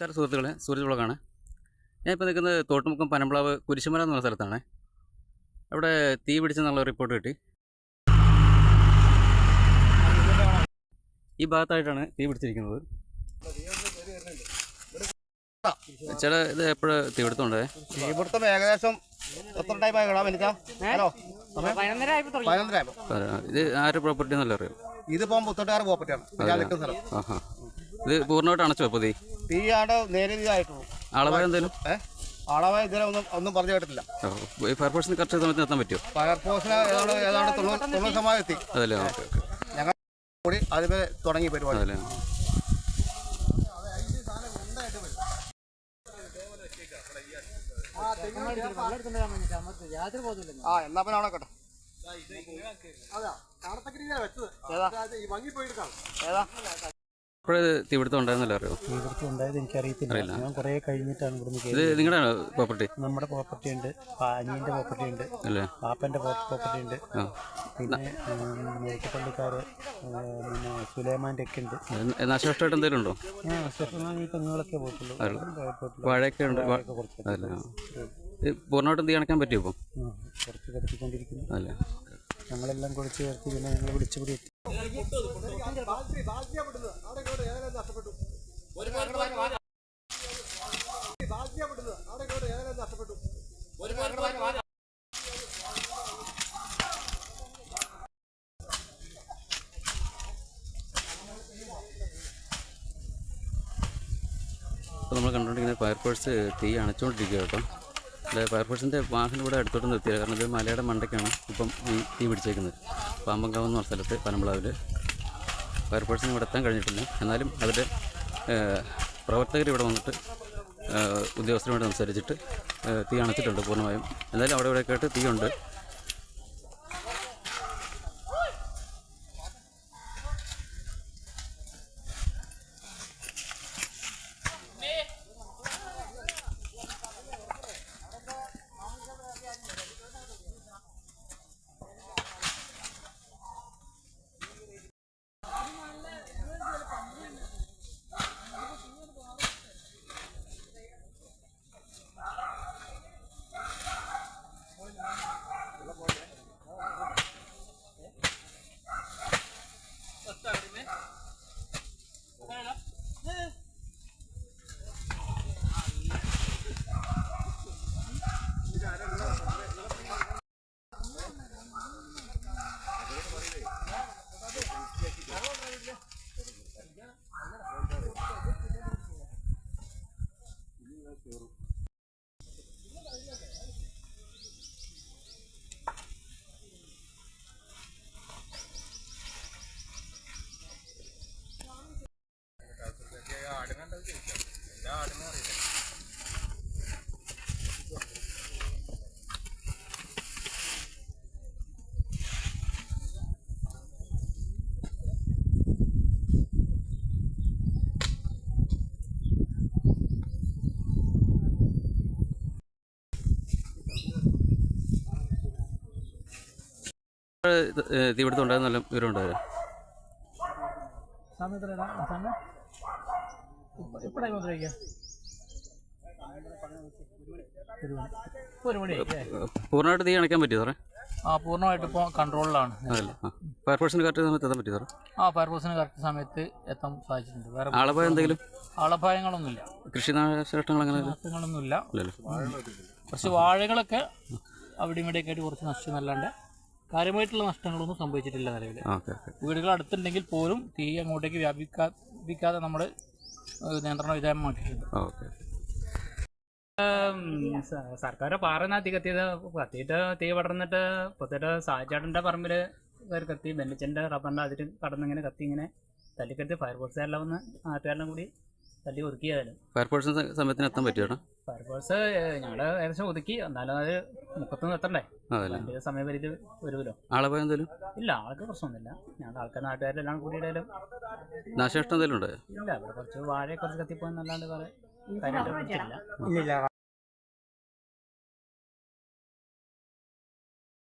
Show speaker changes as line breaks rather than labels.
നമസ്കാരം സുഹൃത്തുക്കളെ, സൂരജ് വ്ളോഗാണ്. ഞാനിപ്പോൾ നിൽക്കുന്നത് തോട്ടുമുക്കം പനമ്പ്ളാവ് കുരിശുമല എന്ന് പറഞ്ഞ സ്ഥലത്താണ്. അവിടെ തീ പിടിച്ചെന്നുള്ള റിപ്പോർട്ട് കിട്ടി. ഈ ഭാഗത്തായിട്ടാണ് തീ പിടിച്ചിരിക്കുന്നത്. ചില ഇത് എപ്പോഴും തീപിടുത്തമുണ്ടേ?
തീപിടുത്തം ഏകദേശം എത്ര ടൈമായി ഹലോ
ഇത് ആരുടെ പ്രോപ്പർട്ടി എന്നല്ല അറിയാം.
ഇതിപ്പം പുത്തോട്ടുകാർ പ്രോപ്പർട്ടിയാണ്.
ഇത് പൂർണ്ണമായിട്ട് അണച്ചു വെപ്പോ
തീയാണ് നേരിയതായിട്ടുള്ളൂ.
അളവ് എന്തെങ്കിലും
അളവ് ഇതിനെ ഒന്നും പറഞ്ഞു കേട്ടിട്ടില്ല.
ഫയർഫോഴ്സിന് കറക്റ്റ് സമയത്ത് എത്താൻ പറ്റുമോ?
ഫയർഫോഴ്സിന് ഏതാണ്ട് 90% എത്തി.
അതല്ലേ,
ഞങ്ങൾ കൂടി അതിന് തുടങ്ങി പരിപാടി.
അതല്ലേ,
എന്നാ പിന്നെ അവിടെ കേട്ടോ.
ഇപ്പോഴേ തീപിടുത്തം ഉണ്ടായിരുന്നല്ലോ, അറിയോ?
തീപിടുത്തം ഉണ്ടായത് എനിക്കറിയത്തില്ല. ഞാൻ കുറേ കഴിഞ്ഞിട്ടാണ് ഇവിടുന്ന്.
ഇത് നിങ്ങളുടെ പ്രോപ്പർട്ടി?
നമ്മുടെ പ്രോപ്പർട്ടി ഉണ്ട്, അനിയൻ്റെ പ്രോപ്പർട്ടി ഉണ്ട്, പാപ്പൻ്റെ പ്രോപ്പർട്ടി ഉണ്ട്, പിന്നെ മേക്കപ്പള്ളിക്കാർ, പിന്നെ സുലൈമാൻ്റെ ഒക്കെ ഉണ്ട്.
നാശനഷ്ടമായിട്ട് എന്തെങ്കിലും ഉണ്ടോ?
ഈ തെങ്ങുകളൊക്കെ പോയിട്ടുള്ളൂ.
വാഴയൊക്കെ ഉണ്ട്. പൂർണ്ണമായിട്ടും തീ അണയ്ക്കാൻ പറ്റുമോ ഇപ്പം?
കുറച്ച് കടത്തിക്കൊണ്ടിരിക്കുന്നു.
അല്ലേ,
ഞങ്ങളെല്ലാം കുളിച്ച് ചേർത്ത് പിന്നെ ഞങ്ങൾ വിളിച്ചുകൂടി എത്തി.
അപ്പോൾ നമ്മൾ കണ്ടുകൊണ്ടിരിക്കുന്ന ഫയർഫോഴ്സ് തീ അണച്ചുകൊണ്ടിരിക്കുക കേട്ടോ. അതായത് ഫയർഫോഴ്സിൻ്റെ വാഹനം ഇവിടെ അടുത്തോട്ട് നിർത്തിയത്, കാരണം ഇത് മലയുടെ മണ്ടയ്ക്കാണ് ഇപ്പം ഈ തീ പിടിച്ചേക്കുന്നത്. പാമ്പങ്കാവ് എന്ന് പറഞ്ഞ സ്ഥലത്ത് പനമ്പ്ളാവിൽ ഫയർഫോഴ്സിന് ഇവിടെ എത്താൻ കഴിഞ്ഞിട്ടില്ല. എന്നാലും അവരുടെ പ്രവർത്തകർ ഇവിടെ വന്നിട്ട് ഉദ്യോഗസ്ഥരുമായിട്ട് സംസാരിച്ചിട്ട് തീ അണച്ചിട്ടുണ്ട് പൂർണ്ണമായും. എന്തായാലും അവിടെ ഇവിടെയൊക്കെ ആയിട്ട് തീയുണ്ട്. തീപിടുത്തം ഉണ്ടായിരുന്നല്ലോ, വിവരം ഉണ്ടായിരുന്നു? പൂർണ്ണമായിട്ട് തീ അണയ്ക്കാൻ പറ്റിയോ സാറേ?
പൂർണ്ണമായിട്ട് ഇപ്പോൾ കൺട്രോളിലാണ്.
അതല്ലേ, ഫയർഫോഴ്സിന് കറക്റ്റ് സമയത്ത് എത്താൻ പറ്റിയോ സാറേ?
ഫയർഫോഴ്സിന് കറക്റ്റ് സമയത്ത് എത്താൻ സാധിച്ചിട്ടുണ്ട്. വേറെ
ആളപായം എന്തെങ്കിലും?
ആളപായങ്ങളൊന്നുമില്ല.
കൃഷി നാശനഷ്ടങ്ങൾ അങ്ങനെ
നാശങ്ങളൊന്നുമില്ല. കുറച്ച് വാഴകളൊക്കെ അവിടെ ഇവിടെയൊക്കെ ആയിട്ട് കുറച്ച് നഷ്ടമല്ലാണ്ട് കാര്യമായിട്ടുള്ള നഷ്ടങ്ങളൊന്നും സംഭവിച്ചിട്ടില്ല നിലവിൽ. വീടുകൾ അടുത്തുണ്ടെങ്കിൽ പോലും തീ അങ്ങോട്ടേക്ക് വ്യാപിക്കാതെ നമ്മൾ നിയന്ത്രണ വിധേയമാക്കിയിട്ടുണ്ട്. സർക്കാർ പാറന്നാ തീ കത്തിയിട്ട് തീ പടർന്നിട്ട് പുറത്തിട്ട് സാഹചേട്ടൻ്റെ പറമ്പിൽ കയറി കത്തി, ബെല്ലിച്ചൻ്റെ റബ്ബറിൻ്റെ അതിൽ കടന്നിങ്ങനെ കത്തി ഇങ്ങനെ തല്ലിക്കത്തി. ഫയർഫോഴ്സുകാരെല്ലാം വന്ന് നാട്ടുകാരെല്ലാം കൂടി തല്ലി ഒതുക്കിയാലും.
ഫയർഫോഴ്സിന് സമയത്തിന് എത്താൻ പറ്റിയോ?
ഫയർഫോഴ്സ് ഞങ്ങൾ ഏകദേശം ഒതുക്കി, എന്നാലും അത് മുക്കത്തൊന്നും എത്തണ്ടേ, അതിൻ്റെ സമയപരിധി വരുമല്ലോ.
ആളപായം എന്തെങ്കിലും
ഇല്ല, ആൾക്ക് പ്രശ്നമൊന്നുമില്ല. ഞങ്ങൾ ആൾക്കാർ നാട്ടുകാരെല്ലാം കൂടിയിട്ടാലും
നാശനഷ്ടം എന്തെങ്കിലും ഉണ്ടോ?
ഇല്ല, ഇവിടെ കുറച്ച് വാഴയെ കുറച്ച് കത്തിപ്പോയെന്നല്ലാണ്ട് വേറെ കാര്യമായിട്ട്
ഇല്ല.